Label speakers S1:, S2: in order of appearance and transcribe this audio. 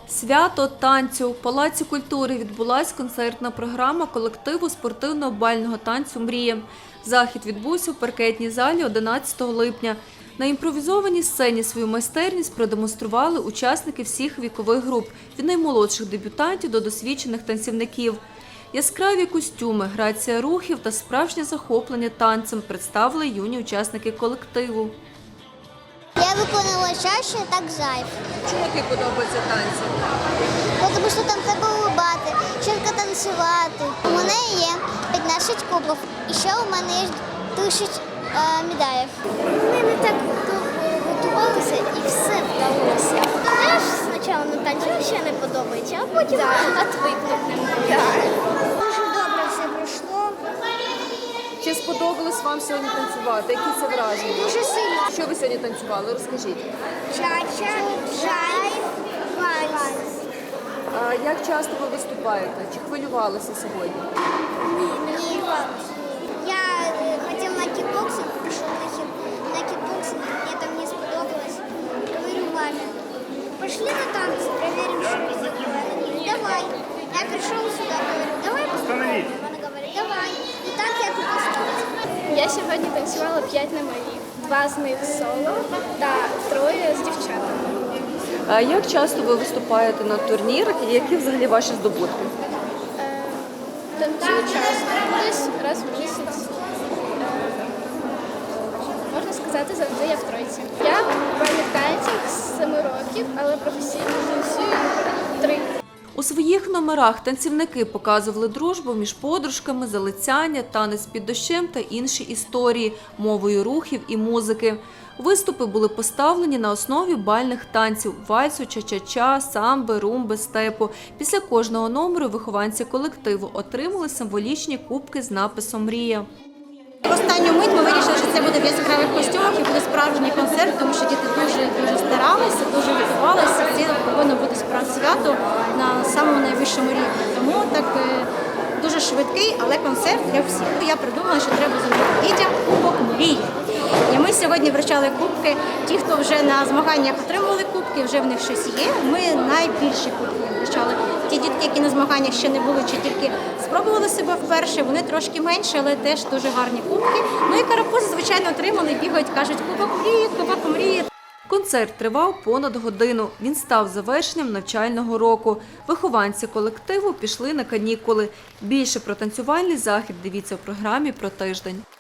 S1: Свято танцю. В Палаці культури відбулась концертна програма колективу спортивно-бального танцю «Мрія». Захід відбувся у паркетній залі 11 липня. На імпровізованій сцені свою майстерність продемонстрували учасники всіх вікових груп – від наймолодших дебютантів до досвідчених танцівників. Яскраві костюми, грація рухів та справжнє захоплення танцем представили юні учасники колективу.
S2: Я виконувала чаще, так зайв.
S1: Чому тобі подобаються танці?
S2: Тому що там треба улыбати, чітко танцювати. У мене є 15 кубків, і ще у мене є 1000 медалей. Ми не так готувалися і все вдалося. Я ж спочатку на танці ще не подобається, а потім відвикнути. Дуже добре все пройшло.
S1: Чи сподобалось вам сьогодні танцювати? Які це враження?
S2: Дуже сильно.
S1: Що ви сьогодні танцювали? Розкажіть.
S2: Чача, жайв, вальс.
S1: А як часто ви виступаєте? Чи хвилювалися сьогодні?
S2: Ні. Я хотів на кікбоксинг, пішов на кікбоксинг, мені там не сподобалось. Говорю мамі, пішли на танці, перевіримо, що буде. Вона говорить, давай. Я прийшов сюди, говорю, давай постановимо. Вона говорить, давай. І так я тут осталась.
S3: Я сьогодні танцювала 5 номерів, 2 з них соло та 3 з дівчатами.
S1: А як часто ви виступаєте на турнірах і які взагалі ваші здобутки?
S3: Танцюю часто, десь раз в місяць. Можна сказати, завжди я в тройці. Я в бальних танцях з 7 років, але професійно танцюю 3.
S1: У своїх номерах танцівники показували дружбу між подружками, залицяння, танець під дощем та інші історії, мовою рухів і музики. Виступи були поставлені на основі бальних танців – вальсу, ча-ча-ча, самби, румби, степу. Після кожного номеру вихованці колективу отримали символічні кубки з написом «Мрія».
S4: В останню мить ми вирішили, що це буде в яскравих костюмах і буде справжній концерт, тому що діти дуже старалися, дуже готувалися. Це повинно бути справді свято на самому найвищому рівні. Тому так дуже швидкий, але концерт для всіх. Я придумала, що треба зробити дітям кубок мрії. І ми сьогодні вручали кубки. Ті, хто вже на змаганнях отримували кубки, вже в них щось є. Ми найбільші кубки вручали. Ті дітки, які на змаганнях ще не були, чи тільки спробували себе вперше, вони трошки менші, але теж дуже гарні кубки. Ну і карапузи, звичайно, отримали, бігають, кажуть, кубок мрії.
S1: Концерт тривав понад годину. Він став завершенням навчального року. Вихованці колективу пішли на канікули. Більше про танцювальний захід дивіться в програмі «Про тиждень».